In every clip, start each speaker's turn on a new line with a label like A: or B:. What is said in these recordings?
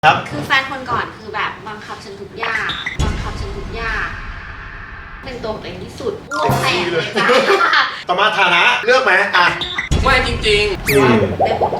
A: ครับ
B: คือแฟนคนก่อนคือแบบบังคับฉันทุกอย่างเป็นตัวของตัวเองที่สุดอ้วกแตกเลยจ้ะ
A: ต่อมาฐานะเลือกไหมอ่ะ
C: ไม่จริง
B: ได้หมด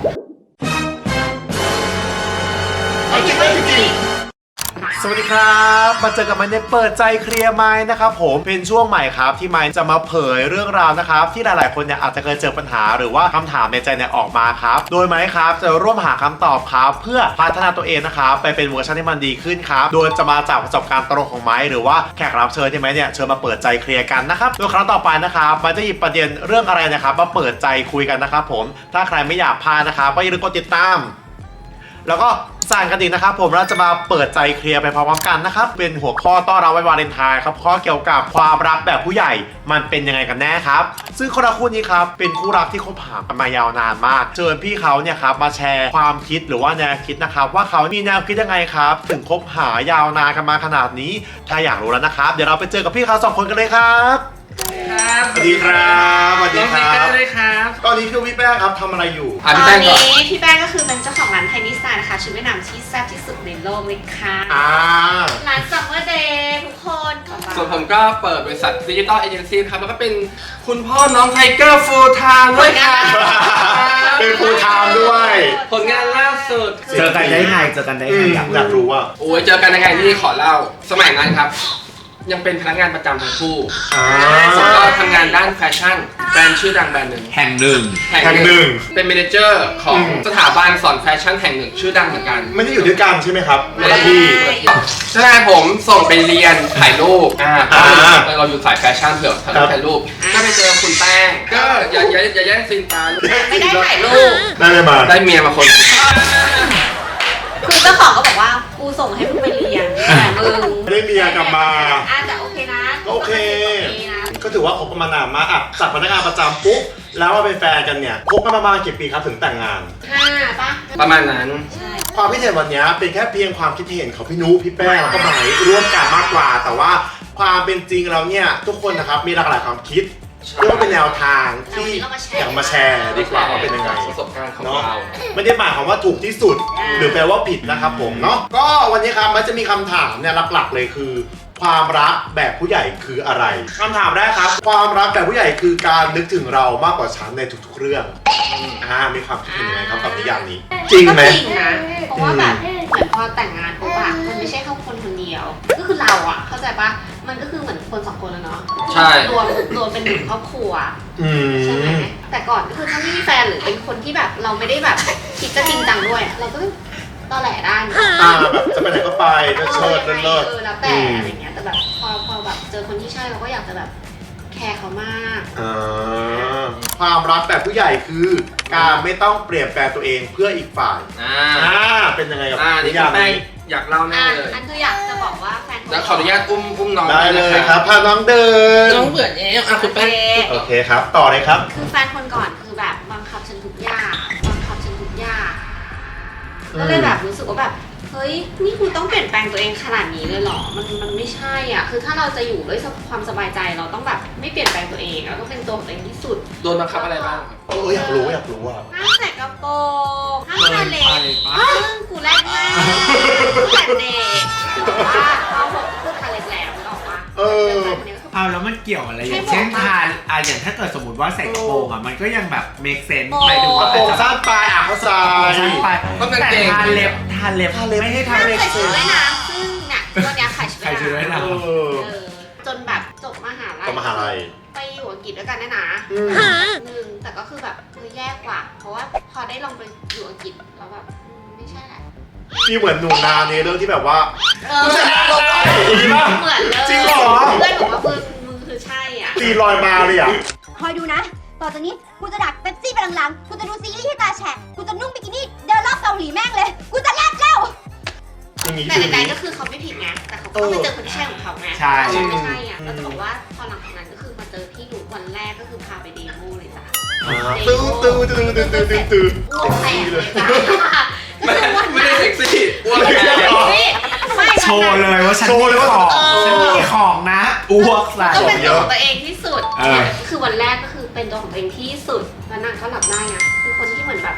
A: เอาจริงเลยจริงสวัสดีครับมาเจอกับมันในเปิดใจเคลียร์ไมค์นะครับผมเป็นช่วงใหม่ครับที่ไมค์จะมาเผยเรื่องราวนะครับที่หลายๆคนเนี่ยอาจจะเคยเจอปัญหาหรือว่าคำถามในใจเนี่ยออกมาครับโดยไมค์ครับจะร่วมหาคำตอบครับเพื่อพัฒนาตัวเองนะครับไปเป็นเวอร์ชันที่มันดีขึ้นครับโดยจะมาจากประสบการณ์ตรงของไมค์หรือว่าแขกรับเชิญที่ไมค์เนี่ยเชิญมาเปิดใจเคลียร์กันนะครับโดยครั้งต่อไปนะครับมันจะหยิบประเด็นเรื่องอะไรนะครับมาเปิดใจคุยกันนะครับผมถ้าใครไม่อยากพลาดนะครับก็อย่าลืมกดติดตามแล้วก็สั่งกันอีกนะครับผมเราจะมาเปิดใจเคลียร์ไปพร้อมๆกันนะครับเป็นหัวข้อต้อนรับวันวาเลนไทน์ครับข้อเกี่ยวกับความรักแบบผู้ใหญ่มันเป็นยังไงกันแน่ครับซึ่งคนละคู่นี้ครับเป็นคู่รักที่คบหากันมายาวนานมากเชิญพี่เขาเนี่ยครับมาแชร์ความคิดหรือว่าแนวคิดนะครับว่าเขามีแนวคิดยังไงครับถึงคบหายาวนานกันมาขนาดนี้ถ้าอยากรู้แล้วนะครับเดี๋ยวเราไปเจอกับพี่เขาสองคนกันเลยครับ
C: ๆครับ
A: สวัสดีครับสวัสดีค
C: น้อง
A: รั
C: เล็ก
A: บ
C: เลยครับ
A: ตอนนี้คือพี่แป้งครับทำอะไรอยู่
B: ตอน
C: พี่แป้งก่อน
B: นี้พี่แป้งก็คือเป็นเจ้าของร้านไทนี่สไตล์นะคะชุดว่ายน้ำที่แซ่บที่สุดในโลกเลยค่ะร้านซัมเมอร์เดย์ทุกคน
C: ส่วนผมก็เปิดบริษัทดิจิตอลเอเจนซี่ครับแล้วก็เป็นคุณพ่อน้องไทเกอร์ฟูลไทม์ด้วยครับ
A: เป็นฟูลไทม์ด้วย
C: ผลงานล่าสุด
D: เจอกันได้ไง
A: อยากรู้ว่า
C: โอ้ยเจอกันยังไงนี่ขอเล่าสมัยนั้นครับ ยังเป็นพนักงานประจำทั้งคู่ผมก็ทำงานด้านแฟชั่นแบรนด์ชื่อดังแบรนด์หนึ่ง
D: แห่งหนึ่ง
C: เป็นเมเนเจอร์ของสถาบันสอนแฟชั่นแห่งหนึ่งชื่อดังเหมือนกัน
A: ไม่ได้อยู่ด้วยกันใช่ไหมครับ
C: ไม่ได้
A: ที่
C: ใช่ผมส่งไปเรียนถ่ายรูปเราอยู่สายแฟชั่นเผื่อถ่ายรูปก็ไปเจอคุณแป้งก็อย่าแย่งซีนตา
B: ไม่ได้ถ่ายรูป
A: ได้เลยมา
C: ได้เมียมาคน
B: คือเจ้าของก็บอกว่ากูส่งให้มึงไปเรียนแต่มึง
A: ได้เมียกลับมา
B: แต่โอเคนะ
A: ก็โอเค
B: นะ
A: ก็ถือว่าคบกันมานานมากอ่ะจากพนักงานประจำปุ๊บแล้วมาเป็นแฟนกันเนี่ยคบกันประมาณกี่ปีครับถึงแต่งงาน
B: 5ป่ะ
C: ประมาณนั้น
B: ใช่
A: ความคิดเห็นวันนี้เป็นแค่เพียงความคิดเห็นของพี่นุพี่แป้งแล้วก็ไหมร่วมกันมากกว่า แต่ว่าความเป็นจริงแล้วเนี่ยทุกคนนะครับมีหลากหลายความคิดเรียกว่าเป็นแนวทางที่อยากมาแชร์ดีกว่าว่าเป็นยังไง
C: ประสบการณ์ของ
A: เนาะ
C: เรา
A: ไม่ได้หมายความว่าถูกที่สุด หรือแปลว่าผิดนะครับผมเนาะก็วันนี้ครับมันจะมีคำถามเนี่ยหลักๆเลยคือ ความรักแบบผู้ใหญ่คืออะไรคำถามแรกครับความรักแบบผู้ใหญ่คือการนึกถึงเรามากกว่าฉันในทุกๆเรื่องมีความคิดเห็นยังไงครับกับนิยามนี้จริงไหม
B: ก็จริงนะเพราะว่าแบบเหมือนพอแต่งงานปุ๊บอะมันไม่ใช่แค่คนคนเดียว ก็คือเราอะเข้าใจปะมันก็คือเหมือนคนสองคนแล้วเนาะ
C: ใช่
B: รวมเป็นหนึ่งครอบครัว
A: อื
B: ใช่ไหม
A: ม
B: แต่ก่อนก็คือถ้าไม่มีแฟนหรือเป็นคนที่แบบเราไม่ได้แบบคิดจะจริงจังด้วยอะเราก็ตอแหลได้นะ
A: แบบจะไปไหนก็ไปจะเชิดเลิศ
B: แล้วแต่อะไรเงี้ยแต่แบบพอแบบเจอคนที่ใช่เราก็อยากจะแบบแคร์เขามาก
A: ความรักแบบผู้ใหญ่คือการไม่ต้องเปลี่ยนแปลงตัวเองเพื่ออีกฝ่ายเป็นยังไงกับ
C: นี่
A: นิ
C: คุณ
A: ยาม
C: แป้ง
A: นี้
C: อยากเล่าแน่เลย
B: อันคืออยากจะบอกว่าแฟน
C: แล้วขออนุญาตอุ้มน้อง
A: ได้เลยครับพาน้องเดิน
C: น้องเบื่อแล้วคุณแป้ง
A: โอเคครับต่อเลยครับ
B: คือแฟนคนก่อนคือแบบบังคับฉันทุกอย่างก็เลยแบบรู้สึกว่าแบบเฮ้ยนี่คุณต้องเปลี่ยนแปลงตัวเองขนาดนี้เลยเหรอมันไม่ใช่อ่ะคือถ้าเราจะอยู่ด้วยความสบายใจเราต้องแบบไม่เปลี่ยนแปลงตัวเองเราต้องเป็นตัวของตัวเองที่สุด
C: โดนบังคับอะไรบ้าง
A: อยากรู้อ่ะ
B: ห้ามใส่กระโปรงห้ามทาเล็บซึ่งกูแรกมากแต่เด็กแต่ว่าพอผมก็คือทาเล็บแล้วนึกออกปะ
D: เอาแล้วมันเกี่ยวอะไรอย่างเช่นทานอย่างถ้าเกิดสมมติว่าใส่กระโปรงมันก็ยังแบบ make sense หมายถึง
A: ก
D: ว่า
A: ระโปรงสั้นปลายเข้าใจ
D: สั้นไป
C: ต้องกาง
D: แต่
C: เกง
D: ทานเล็บไม่ให้ทำ
B: ห้าม
D: make
B: ใส่ชุด
D: sense
B: ว่ายน้ำซึ่งเนี่ยวันนี้ขายชุด
D: ใครช่วยได้
B: ว่าย
D: นะ
B: จนแบบจบมหาลัย
A: ต่อมหาลัย
B: ไปอยู่อังกฤษด้วยกันนะนึงแต่ก็คือแบบแย่กว่า เพราะว่าพอได้ลองไปอยู่อังกฤษแล้วแบบไม่ใช่แหละ
A: พี่เหมือนหนูนาในเรื่องที่แบบว่า
B: เหมือนเลย
A: จริงเหรอ
B: เพื่อนบอกว่ามึงคือใช่อ่ะ
A: ตีลอยมาเลยอ่ะ
E: คอยดูนะ ต่อจากนี้กูจะดักเป๊ปซี่ไปหลังๆ กูจะดูซีรีส์ให้ตาแฉะ กูจะนุ่งบิกินี่เดินรอบเกาหลีแม่งเลย กูจะแลกเล่า
A: อย่างนี้
B: แต่
A: คือ
B: ใดๆก็คือเขาไม่ผิดไงแต่เขาก็ไปเจอคนที่ใช่ของเขาไง
D: ใช่
B: เขาไม่ใช่อ่ะก็จะบอกว่าพอหลังจากนั้นก็คือมาเจอพี่หนูวันแรกก็คือพาไปเดโมเลยจ้ะ
A: ตื้อ
B: อ้วกแตกเลยจ้ะ
C: ไม่ได้เซ็กซี่อ้วนแค่
D: โชว์เลยว่าฉันมีของฉันมีของนะอ้วกใส่
B: ก็เป็นตัวของตัวเองที่สุด
D: เออ
B: คือวันแรกก็คือเป็นตัวของตัวเองที่สุดแล้วนางก็หลับได้ไงคือคนที่เหมือนแบบ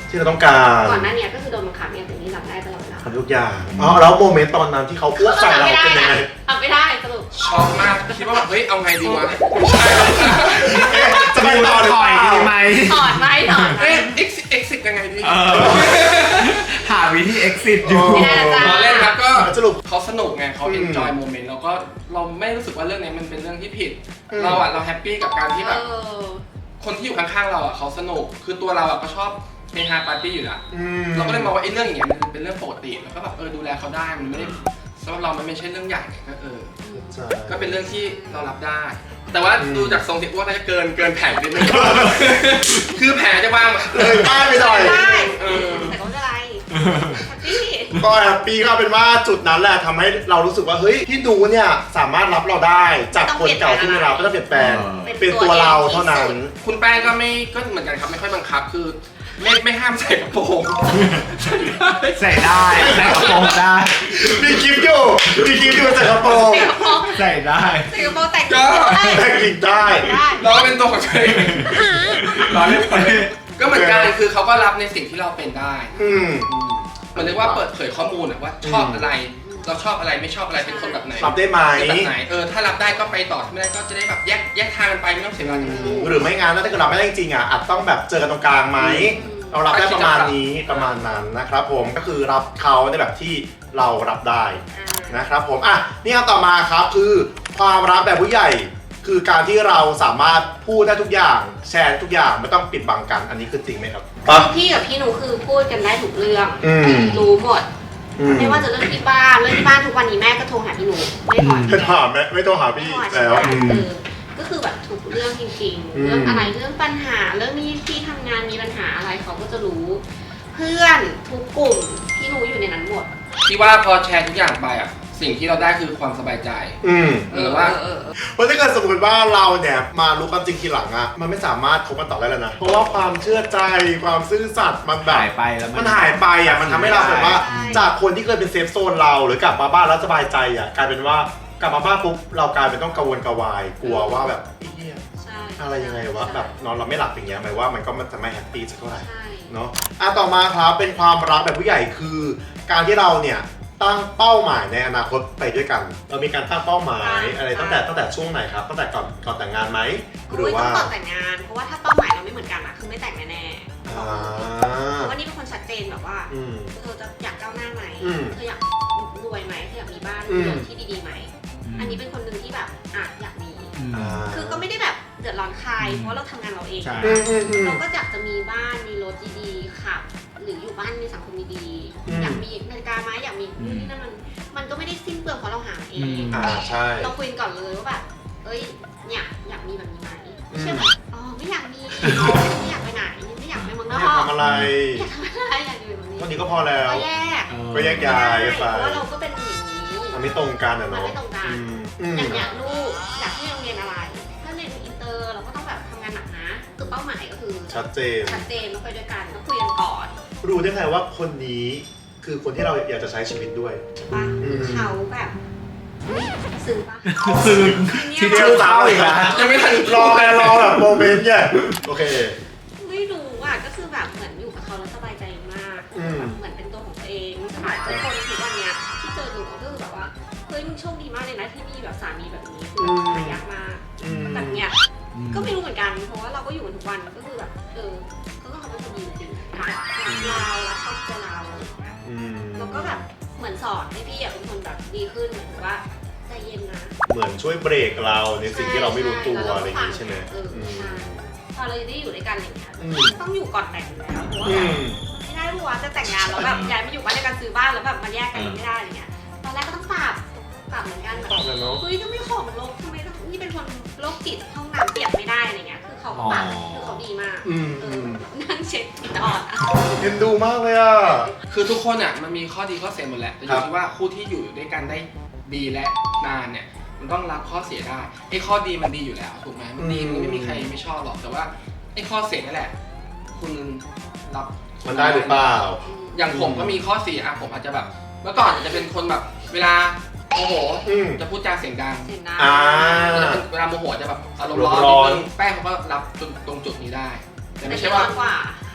A: ที่เราต้องการ
B: ก่อนหน้านี้ก็คือโดนบังคับเนี่ยแต่นี่รับได้ตลอดเวลา
A: ทำทุกอย่างอ๋อแล้วโมเมนต์ตอนนั้นที่เขาอ้วกใส่เราเป็นยังไง
B: ทำไม่ได้สรุป
C: ช็อกมากคิดว่าแบบเฮ้ยเอาไงดีวะไม่ใช่แล้ว
A: จะไปต่อหรือ
D: ถ
A: เป
D: อย
A: ล่า
D: ดีไหม
B: ถอดไหมถอดไหม
C: เอ๊ะ exit ยังไงดี
D: หาวิธี exit อยู่
B: ไม่ได้จ้ะ
C: รอเล่นครับก็
A: สรุป
C: เขาสนุกไงเขา enjoy moment แล้วก็เราไม่รู้สึกว่าเรื่องนี้มันเป็นเรื่องที่ผิด เราแฮปปี้กับการที่แบบ คนที่อยู่ข้างๆเราเขาสนุกคือตัวเราก็ชอบเฮฮาปาร์ตี้อยู่แล้วเราก็เลยมองว่าไอ้เรื่องอย่างเงี้ยมันเป็นเรื่องปกติแล้วก็แบบดูแลเขาได้มันไม่ได้สำหรับเรามันไม่ใช่เรื่องใหญ่ก็ก็เป็นเรื่องที่เรารับได้ แต่ว่าดูจากทรงเสียอ้วนน่าจะเกินแผนนิดนึงคือแผลจะวางแบบ
A: เลยป้ายไปหน่อย
B: ได้แต่ก็ไม่เป็นไรแฮปปี้
A: ก็แฮปปี้ก็เป็นว่าจุดนั้นแหละทำให้เรารู้สึกว่าเฮ้ยพี่ดูเนี่ยสามารถรับเราได้จากคนเก่าที่เราไม่ต้องเปลี่ยนแปลงเป็นตัวเราเท่านั้น
C: คุณแป้งก็เหมือนกันครับไม่ค่อยบังคับคือไม่ห้ามใส่กระโปรง
D: ใส่ได้ใส่กระโปรงได้
A: มีคลิปอยู่ใส่กระโปรง
D: ใส่ได้
B: ใส่กระโปรงแต่ง
C: ก็
A: แต่งหญิงได้
C: เราก็เป็นตัวของตัวเองเราเล่นก็เหมือนกันคือเขาก็รับในสิ่งที่เราเป็นได้เหมือนเรียกว่าเปิดเผยข้อมูลว่าชอบอะไรเราชอบอะไรไม่ชอบอะไรเป็นคนแบบไหน
A: รับได้ไหม
C: แบบไหนถ้ารับได้ก็ไปต่อถ้าไม่ได้ก็จะได้แบบแยกทางกันไปไม่ต้องเสียเวลาทั้งคู่
A: หรือไม่งั้นถ้าเกิดรับไม่ได้จริงอาจต้องแบบเจอกันตรงกลางไหมเรารับได้ประมาณนี้ประมาณนั้นนะครับผมก็คือรับเขาในแบบที่เรารับได้นะครับผมนี่คำต่อมาครับคือความรักแบบผู้ใหญ่คือการที่เราสามารถพูดได้ทุกอย่างแชร์ทุกอย่างไม่ต้องปิดบังกันอันนี้คือจริงไหมครับ
B: พี่กับพี่หนูคือพูดกันได้ทุกเรื่อง รู้หมด ไม่ว่าจะเรื่องที่บ้านทุกวันนี้แม่ก็โทรหาพี่หนูไม่ถอน
A: ไม่ถามไม่ต้องหาพี่แล้ว
B: ก็คือแบบทุกเรื่องจริงๆเรื่องอะไรเรื่องปัญหาเรื่องนี้ที่ทำงานมีปัญหาอะไรเขาก็จะรู้ เพื่อนทุกกลุ่มพี่หนูอยู่ในนั้นหมด
C: ที่ว่าพอแชร์ทุกอย่างไปสิ่งที่เราได้คือความสบายใจหรือว่า
A: เพราะถ้าเกิดสมมติว่าเราเนี่ยมารู้ความจริงทีหลังมันไม่สามารถคบกันต่อได้แล้วนะเพราะว่าความเชื่อใจความซื่อสัตย์มันแบบ
D: หายไปแล้ว
A: มันหายไปมันทำให้เราแบบว่าจากคนที่เคยเป็นเซฟโซนเราหรือกลับมาบ้านแล้วสบายใจกลายเป็นว่ากลับมาบ้านปุ๊บเรากลายเป็นต้องกังวลกระวายกลัวว่าแบบอะไรยังไงวะแบบนอนเราไม่หลับอย่างเงี้ยหมายว่ามันก็จะไม่แฮปปี้สักเท่าไหร่เนาะต่อมาครับเป็นความรักแบบผู้ใหญ่คือการที่เราเนี่ยตั้งเป้าหมายในอนาคตไปด้วยกันเรามีการตั้งเป้าหมายอะไรตั้งแต่ช่วงไหนครับตั้งแต่ก่อนแต่งงานไหมหรือว่า
B: ต้องก่อนแต่งงานเพราะว่าถ้าเป้าหมายเราไม่เหมือนกันคือไม่แต่งแน่ๆเพราะว่านี่เป็นคนชัดเจนแบบว่าเธอจะอยากก้าวหน้าไหมเธออยากรวยไหมเธออยากมีบ้านที่ดีๆไหมอันนี้เป็นคนหนึ่งที่แบบอยากมีคือก็ไม่ได้แบบเดือดร้อนใครเพราะเราทำงานเราเองเราก็อยากจะมีบ้านมีรถดีๆขับหรืออยู่บ้านมีสังคมดีๆอยากมีนาฬิกาไหมอยากมีนี่นั่นมันก็ไม่ได้สิ้นเปลืองเพราะเราหาเอง
A: ใช่
B: เราคุยก่อนเลยว่าแบบเนี่ยอยากมีแบบนี้ไหมไม่ใช่แบบไม่อยากมีไม่อยากไปไหนไม่อยากไปเมืองนอก
A: อยากทำอะไร
B: อยากทำอะไรอยากอยู่แบบนี้
A: เท่านี้ก็พอแล้ว
B: ก็แยก
A: ย้ายไป
B: เพราะว่าเราก็เป็นอย่างนี้
A: มันไม่ตรงกัน
B: มัน
A: เนาะ
B: ไม่ตรงกันอย่างลูกอยากให้โรงเรียนอะไรถ้าเรียนอินเตอร์เราก็ต้องแบบทำงานหนักนะคือเป้าหมายก็คือ
A: ชัดเจน
B: ต้องไปด้วยกันต้องคุยกันก่อน
A: รู้ได้ไงว่าคนนี้คือคนที่เราอยากจะใช้ชีวิตด้วย
B: ป่ะเขาแบบซึ้งป่ะ
D: ซึ้งที่เจอเข้าอีกแล้ว
C: ยังไม่ทัน
A: รอแบบโมเมนต์เนี่ยโอเค
B: ไม่รู้ก็คือแบบเหมือนอยู่กับเขาแล้วสบายใจมากเหมือนเป็นตัวของตัวเองสมัยทุกคนทุกวันเนี้ยที่เจอหนูก็คือแบบว่าเฮ้ยมึงโชคดีมากเลยนะที่มีแบบสามีแบบนี้คือหายากมากแบบเนี้ยก็ไม่รู้เหมือนกันเพราะว่าเราก็อยู่กันทุกวันก็คือแบบก็เขาเป็นคนดีจริงๆรักเรารักครอบครัวเราแล้วก็แบบเหมือนสอนให้พี่เป็นคนแบบดีขึ้นเหมือนว่าใจเย็นนะ
A: เหมือนช่วยเบรกเราในสิ่งที่เราไม่รู้ตัวอะไรอย่างนี้ใช่ไหม
B: พอเราได้อยู่ด้วยกันอย่างเงี้ยต้องอยู่ก่อนแต่งแล้วเพราะว่าไม่ได้รู้ว่าจะแต่งงานแล้วแบบย้ายมาอยู่บ้านในการซื้อบ้านแล้วแบบมาแยกกันไม่ได้อะไรเงี้ยตอนแรกก็ต้องปรับเหมือนกันแบบเฮ้ยทำไมของลกทำไมนี่เป็นคนโรคจิตห้องน้ำเปียกไม่ได้อะไรเงี้ยคือเขาปรับคือเขาดีมากนั่งเช็ดผิดอ่อน
A: เอ็นดูมากเลย
C: คือทุกคนมันมีข้อดีข้อเสียหมดแหละแต่อยู่ที่ว่าคู่ที่อยู่ด้วยกันได้ดีและนานเนี่ยมันต้องรับข้อเสียได้ไอ้ข้อดีมันดีอยู่แล้วถูกไหมมันดีมันไม่มีใครไม่ชอบหรอกแต่ว่าไอ้ข้อเสียนั่นแหละคุณรับ
A: มันได้หรือเปล่า
C: อย่างผมก็มีข้อเสียผมอาจจะแบบเมื่อก่อนจะเป็นคนแบบเวลาโมโหจะพูดจาเสียงดังเวลาโมโหจะแบบอารมณ์ร้อนนิดนึงแป้งเขาก็รับตรงจุดนี้ได้แต่ไม่ใช่ว่า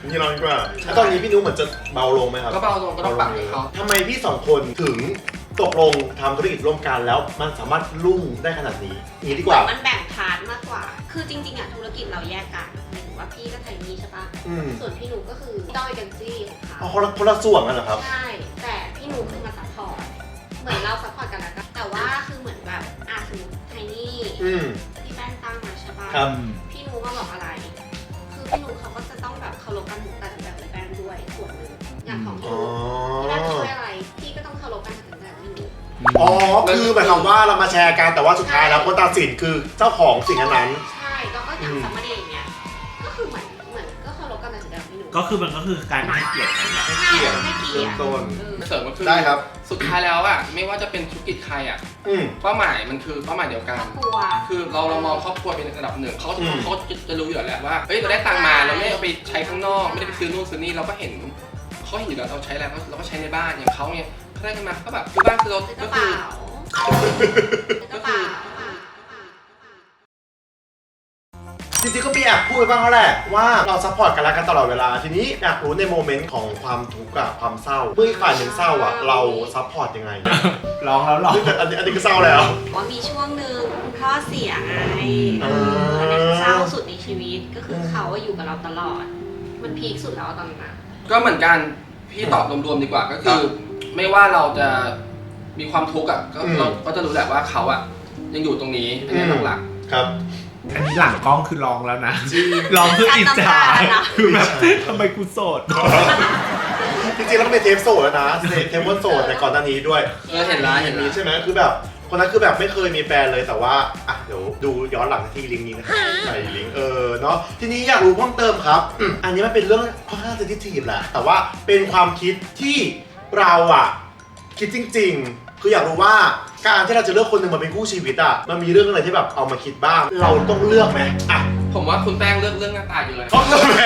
A: พี่น้องดีกว่าแล้วตอนนี้พี่นุ้เหมือนจะเบาลงไหมครับ
C: ก็เบาลงก็ต้องปรับให้เขา
A: ทำไมพี่สองคนถึงตกลงทำธุรกิจร่วมกันแล้วมันสามารถรุ่งได้ขนาดนี้อย่างนี้ดีกว่า
B: มันแบ่งพาร์ทมากกว่า คือจริงๆอะธุรกิจเราแยกกันหมายถึงว่าพี่ก็ไทนี่ใช่ปะส่วนพี่หนูก็คือดอยกันจี้ของเขา
A: อ๋อคนละส่วนกันเหรอครับ
B: ใช่ แต่พี่หนูคือมาซัพพอร์ต เหมือนเราซัพพอร์ตกันแล้วกันแต่ว่าคือเหมือนแบบสมมติไทนี่พี่แป้งตั้งมาใช่ปะ
A: ครับ
B: พี่หนูมาบอกอะไร คือพี่หนูเขาก็จะต้องแบบเคารพการตัดสินใจของพี่แป้งด้วยส่วนหนึ่งอย่างของพี่หนูพี่แป้งช่วยอะไร พี่ก็ต้องเคารพการตัดสินใจของพี่หนู
A: อ๋อคือหมายความว่าเรามาแชร์กันแต่ว่าสุดท้ายแล้วคนตัดสินคือเจ้าของสิ่งนั้น
B: ใช่แล้วก็อย่างซัมเมอร์เดย์อย่างเงี้ย ก็คือเหมือนก็เคารพการตัดสินใจของพี่หนู
D: ก็คือมันก็คือการให้เกียรติกันแหละ
B: ใช่ให้เกียรติ
A: ต้น
C: เสริมก็คือ
A: ได้ครับ
C: สุดท้ายแล้วอ่ะไม่ว่าจะเป็นธุรกิจใครอ่ะเป้าหมายมันคือเป้าหมายเดียว
B: ค
C: กั
B: ร
C: น
B: อบครัว
C: คือเรามองครอบครัวเป็นระดับหนึ่งเขาจะรู้อยู่แล้วว่าเฮ้ยเราได้ตังค์มาเราไม่เอาไปใช้ข้างนอกไม่ได้ไปซื้อนู่นซื้อนี่เราก็เห็นเขาเห็นอยู่แล้วเราใช้อะไรเราก็ใช้ในบ้านอย่างเขาเนี่ยเขาได้กันมาก็แบบซื้อบ้านซื้อรถ
B: ก
C: ก็
B: ระ
C: คื
B: เป๋า
C: อ
B: กระเป๋า
A: จริงๆก็มีแอบพูดไปบ้างแล้วแหละว่าเราซัพพอร์ตกันและกันตลอดเวลาทีนี้อยากรู้ในโมเมนต์ของความทุกข์อะความเศร้าเมื่ออีกฝ่ายหนึ่งเศร้าอะเราซัพพอร์ตยังไง
D: ร้องแล้วหรอ
A: อันนี้ก็เศร้าแล้ว
B: ว่ามีช่วงหนึ่งคุณพ่อเสียไงอันนี้เศร้าสุดในชีวิตก็คือเขาอยู่กับเราตลอด มันพีคสุดแล้วตอนนั้น
C: ก็เหมือนกันพี่ตอบรวมๆดีกว่าก็คือไม่ว่าเราจะมีความทุกข์อ่ะเราก็จะรู้แหละว่าเขาอ่ะยังอยู่ตรงนี้อันนี้หลัก
A: ครับ
D: อันนี้หลังกล้องคือร้องแล้วนะร้องเพื่ออิจฉาคือแบบทำไมกูโสด
A: จริงๆแล้วก็เป็นเทปโสดแล้วนะเทปวันโสดแต่ก่อนหน้านี้ด้วย
C: เห็นร้านเห็น
A: มี
C: ร้าน
A: ใช่ไหมคือแบบคนนั้นคือแบบไม่เคยมีแฟนเลยแต่ว่าอ่ะเดี๋ยวดูย้อนหลังที่ลิงก์นี้นะครับใส่ลิงก์เนาะทีนี้อยากรู้เพิ่มเติมครับอันนี้มันเป็นเรื่องค่อนข้างเซนซิทีฟแหละแต่ว่าเป็นความคิดที่เราอะคิดจริงๆคืออยากรู้ว่าการที่เราจะเลือกคนหนึ่งมาเป็นคู่ชีวิตอะมันมีเรื่องอะไรที่แบบเอามาคิดบ้างเราต้องเลือกไหมอ่ะ
C: ผมว่าคุณแป้งเลือกเรื่องหน้าตาอยู่เลย
A: เขาเลือกแหม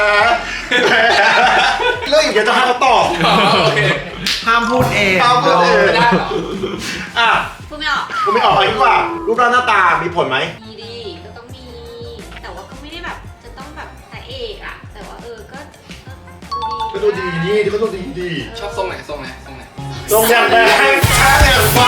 A: เรื่องอย่างเงี้ยจะให้เขาตอบ
C: โอเค
D: ห้ามพูดเอง
A: ห้ามพูดเอง
C: ไม่ได้หรอ
B: พู
A: อ่ะ
B: ดไม่ออก
A: กูไม่ออกอะไรดีกว่ารูปร่างหน้าตามีผลไหม
B: มีดีก็ต้องมี แต่ว่าก็ไม่ได้แบบจะต้องแบบพระเอกอะแต่ว่าก็
A: ดูดีนี่ก็ดูดีดี
C: ชอบทรงไหนทรงไหนทรงไหน
A: ทรงอย่างแรงช้าอย่างฟ้า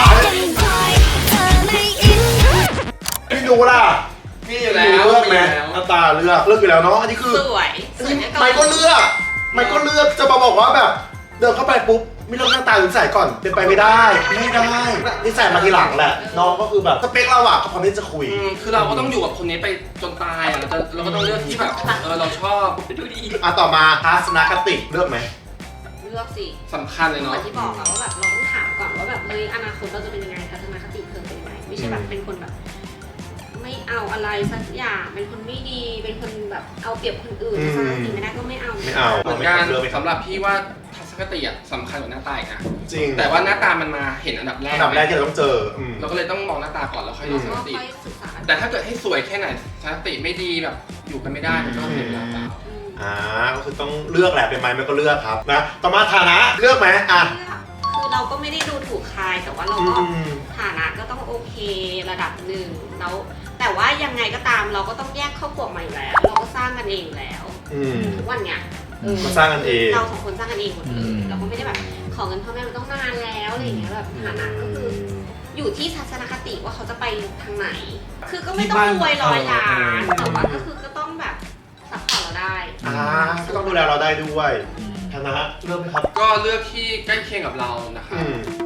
A: พี่ดูล่ะ
C: มีอยู่แล้
A: พี่
C: ว
A: เลือกไหม
C: มีอยู่แล้ว
A: หน้าตาเลือกอยู่แล้วเนาะอันนี้คือ
B: สวยสวยไม่
A: ไม่ก็เลือกจะมาบอกว่าแบบเดินเข้าไปปุ๊บไม่เลือกหน้าตาหรือใส่ก่อนเป็นไปไม่ได้นี่ใส่มาทีหลังแหละน้องก็คือแบบสเปคเราอะก็พร้อมที่จะคุย
C: คือเราก็ต้องอยู่กับคนนี้ไปจนตายอ่ะเราก็ต้องเลือกที่แบบเราชอบ
B: ดูดี
A: ต่อมาทัศนคติเลือกไหม
B: เลือกสิ
C: สำคัญเลย
B: เหมื
C: เนาะ
B: อนที่บอกอะว่าแบบเราต้องถามก่อนว่าแบบเฮ้ยอนาคตเราจะเป็นยังไงทัศนคติเธอเป็นยังไงไม่ใช่แบบเป็นคนแบบ ไม่เอาอะไรสักอย่างเป็นคนไม่ดีเป็นคนแบบเอาเปรียบคนอื่นสร้างสิ่งไม่ได้ก็ไม่เอา
A: ไม่เอา
C: เหมือนกัน
A: เลือกไม่
C: สำหรับพี่ว่าทัศนคติอ่ะสำคัญกว่าหน้าตาอีกนะ
A: จริง
C: แต่ว่าหน้าตามันมาเห็นอันดับแรก
A: อันดับแรกที่เราต้องเจอ
C: เราก็เลยต้องมองหน้าตาก่อนแล้วค่อยดูทัศน
B: ก็
C: คติ
B: ค่อยศึกษา
C: แต่ถ้าเกิดให้สวยแค่ไหนทัศนคติไม่ดีแบบอยู่กันไม่ได้มันก็เสียเวลาเปล่า
A: ก็คือต้องเลือกแหละเป็นไม้ไม่ก็เลือกครับนะต่อมาฐานะเลือกไหมอ่ะ
B: คือเราก็ไม่ได้ดูถูกใครแต่ว่าเราก็ฐานะก็ต้องโอเคระดับหนึ่งแล้วแต่ว่ายังไงก็ตามเราก็ต้องแยกครอบครัวใหม่อยู่แล้ว เราก็สร้างกันเองอยู่แล้วทุกวันเนี้ย
A: มาสร้างกันเอง
B: เราสองคนสร้างกันเองหมดเลยเราก็ไม่ได้แบบขอเงินพ่อแม่มันต้องนานแล้วอะไรอย่างเงี้ยแบบฐานะก็คืออยู่ที่ทัศนคติว่าเขาจะไปทางไหน คือก็ไม่ต้องรวยร้อยล้านแต่ว่าก็คือก็ต้องแบบซัพพอร์ตเราได้
A: ก็ต้องดูแลเราได้ด้วยฐานะเลือกไหมครับ
C: ก็เลือกที่ใกล้เคียงกับเรานะครับ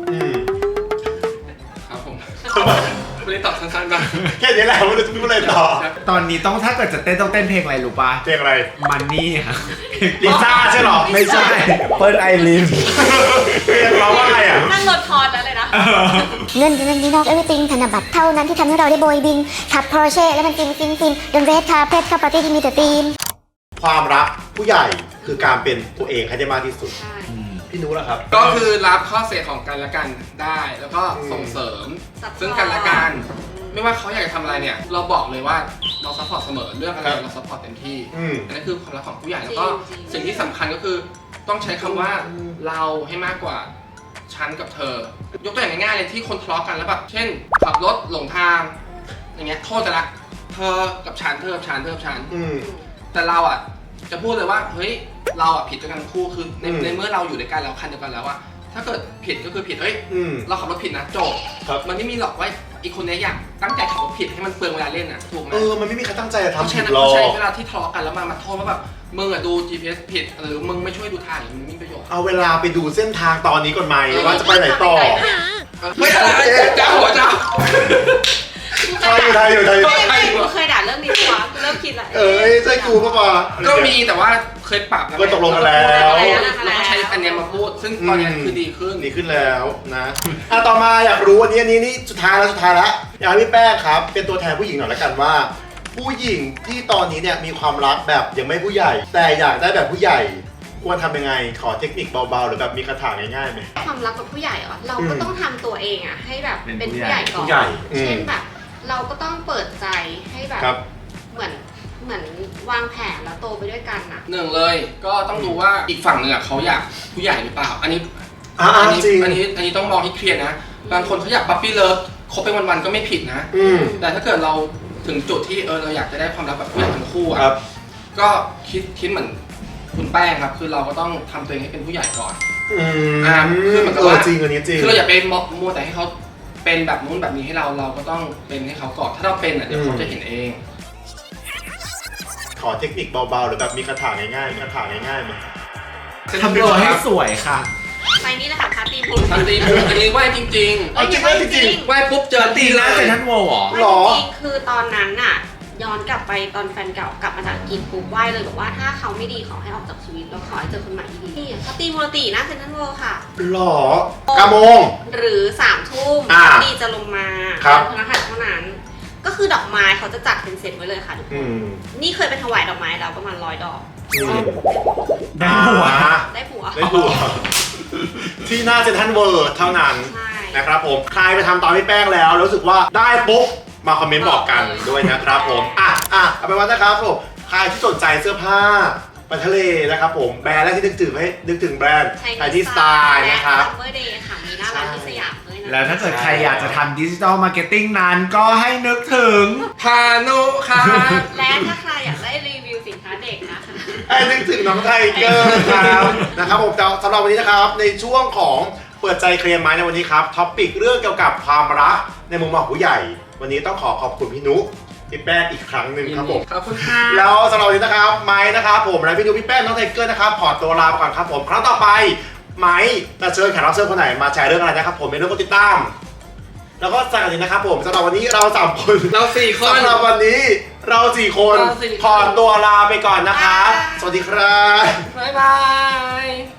C: ครับผมวันนี้ตอบสั้นๆบ้าง
A: แค่นี้แหละไม่รู้จะพูดอะไรต่อ
D: ตอนนี้ต้องถ้าเกิดจะเต้นต้องเต้นเพลงอะไรรู้ป่ะ
A: เพลงอะไร
D: มันนี่ค่ะ
A: ลิซ่าใช่หรอ
D: ไม่ใช่เปิ้ลไอริน
A: เพลงเราว่าอะไรอ่ะ
B: นั่งรถพอดแล้วเลยนะ
E: เงินนอก everything ธนบัตรเท่านั้นที่ทำให้เราได้โบยบินขับ Porsche และมันฟินเดินเรดคาร์เพทเข้าปาร์ตี้ที่มีแต่ธีม
A: ความรักผู้ใหญ่คือการเป็นตัวเองให้ได้มากที่สุด
B: ใช่
A: พี่นุ้ล่ะครับ
C: ก็คือรับข้อเสียของกันและกันได้ แล้วก็ส่งเสริมซึ่งกันและกัน ไม่ว่าเขาอยากจะทำอะไรเนี่ย เราบอกเลยว่าเราซัพพอร์ตเสมอเรื่องอะไรเราซัพพอร์ตเต็มที่อันนั้นคือความรักของผู้ใหญ่แล้วก็สิ่งที่สำคัญก็คือต้องใช้คำว่าเราให้มากกว่าฉันกับเธอ ยกตัวอย่างง่ายๆเลยที่คนทะเลาะกันแล้วแบบเช่นขับรถหลงทางอย่างเงี้ยโทษจะละเธอกับฉันเธอกับฉันเธอกับฉันแต่เราอ่ะจะพูดเลยว่าเฮ้ยเราอ่ะผิดด้วยกันทั้งคู่คือในเมื่อเราอยู่ด้วยกันแล้วคันเดียวกันแล้วอะถ้าเกิดผิดก็คือผิดเอ้ยเราขับรถผิดนะจบมันไม่มีหรอกว่าอีกคนนี้อยากตั้งใจขับรถผิดให้มันเปลืองเวลาเล่นอะถูกไหม
A: มันไม่มีใครตั้งใจจะทำผิดหร
C: เรา
A: อก
C: ใช้เวลาที่ทะเลาะกันแล้วมาโทษว่าแบบมึงอะดู GPS ผิดหรือมึงไม่ช่วยดูทางมันไม่มีประโยชน์
A: เอาเวลาไปดูเส้นทางตอนนี้ก่อนไหมว่าจะไปไหนต่อ
C: ไม่อะไรจ้าหัวจ้า
A: ไทยอยู่
B: ไม่กูเคยด่าเรื่องนี้วะกูเริ่มคิดละ
A: ใช่กูป่ะ
C: ก็มีแต่ว่าเคยปรับ
A: ก็ตกลงกันแล้ว
C: เราก็ใช้อันนี้มาพูดซึ่งตอนนี้คือดีขึ้น
A: แล้วนะต่อมาอยากรู้อันนี้สุดท้ายแล้วอยากให้พี่แป้งครับเป็นตัวแทนผู้หญิงหน่อยละกันว่าผู้หญิงที่ตอนนี้เนี่ยมีความรักแบบยังไม่ผู้ใหญ่แต่อยากได้แบบผู้ใหญ่ควรทำยังไงขอเทคนิคเบาๆหรือแบบมีคาถาง่ายๆไหม
B: ความรักกับผู้ใหญ่เหรอเราก็ต้องทำตัวเองอ่ะให้แบบเป็นผู้ใหญ่ก่อนเช่นแบบเราก็ต้องเปิดใจให้แบบเหมือนวางแผนแล้วโตไปด้วยกันนะ
C: หนึ่งเลยก็ต้องดูว่าอีกฝั่งหนึ่งเขาอยากผู้ใหญ่หรือเปล่าอันนี้ต้องมองให้เคลียร์นะบางคนเขาอยากปั๊ปปี้เลิฟคบไปวันๆก็ไม่ผิดนะแต่ถ้าเกิดเราถึงจุดที่เราอยากจะได้ความรักแบบผู้ใหญ่ทั้งคู่อ่ะก็คิดเหมือนคุณแป้งครับคือเราก็ต้องทำตัวเองให้เป็นผู้ใหญ่ก่อนคือเหมือนกับว่า
A: จริงอันนี้จริง
C: คือเราอย่าไปมัวแต่ให้เขาเป็นแบบนู้นแบบนี้ให้เราก็ต้องเป็นให้เขาก่อนถ้าเราเป็นเดี๋ยวเขาจะเห็นเอง
A: ขอเทคนิคเบาๆหรือแบบมีคาถาง่ายๆมั้ย
D: ทำตัวให้สวยค่ะ
B: ไปนี่นะคะพาตีมู
C: อันนี้ไหวจริงไหวปุ๊บเจอ
D: ตีแล้วเซนทรัลเวิลด์
B: หรอจริงคือตอนนั้นน่ะย้อนกลับไปตอนแฟนเก่ากลับมาจากอังกฤษปุ๊บไหว้เลยบอกว่าถ้าเขาไม่ดีขอให้ออกจากชีวิตแล้วขอให้เจอคนใหม่ที่ดีนี่เขาตีมูลตินะเซนทรัลเวิลด์ค่ะ
A: หรอกะโมง
B: หรือ3 ทุ่มตีจะลงมาพนักงานเท่านั้นก็คือดอกไม้เขาจะจัดเป็นเซตไว้เลยค่ะทุกคนนี่เคยไปถวายดอกไม้แล้วประมาณ100 ดอก
D: ได้ผัว
A: ที่หน้าเซ็นทรัลเวิลด์เท่านั้นนะครับผมใครไปทำตามพี่แป้งแล้วรู้สึกว่าได้ปุ๊บมาคอมเมนต์บอกกันด้วยนะครับผมเอาไปนว่านะครับผมใครที่สนใจเสื้อผ้าไปทะเลนะครับผมแบรนด์แรกที่นึกถึงแบรนด์ไทยที่สไตล์นะครับ
B: เมื่อเดย์ค่ะมีหน้าร้านที่สยามด้วยนะ
D: แล้วถ้าเกิดใครอยากจะทำดิจิทัลมาร์เก็ตติ้งนั้นก็ให้นึกถึง
C: พานุค่ะ
B: และถ้าใครอยากได้รีวิวสินค้าเด็กนะคะ
A: ให้นึกถึงน้องไทเกอร์ครับนะครับผมสำหรับวันนี้นะครับในช่วงของเปิดใจเคลียร์ไม้ในวันนี้ครับท็อปิกเรื่องเกี่ยวกับความรักในมุมมองผู้ใหญ่วันนี้ต้องขอบคุณพี่นุ๊กพี่แป้งอีกครั้งหนึ่งครับผม
C: ขอบคุณค่ะ
A: แล้วสำหรับวันนี้นะครับไม้นะครับผมและพี่นุ๊กพี่แป้งน้องไทเกอร์นะครับขอตัวลาไปก่อนครับผมครั้งต่อไปไม้จะเชิญแขกรับเชิญคนไหนมาแชร์เรื่องอะไรนะครับผมเป็นเรื่องกดติดตามแล้วก็จากนี้นะครับผมสำหรับวันนี้เรา3 คน
C: เรา4 คน
A: สำหรับวันนี้เรา4 คนขอตัวลาไปก่อนนะครับสวัสดีครับ
C: บ๊ายบาย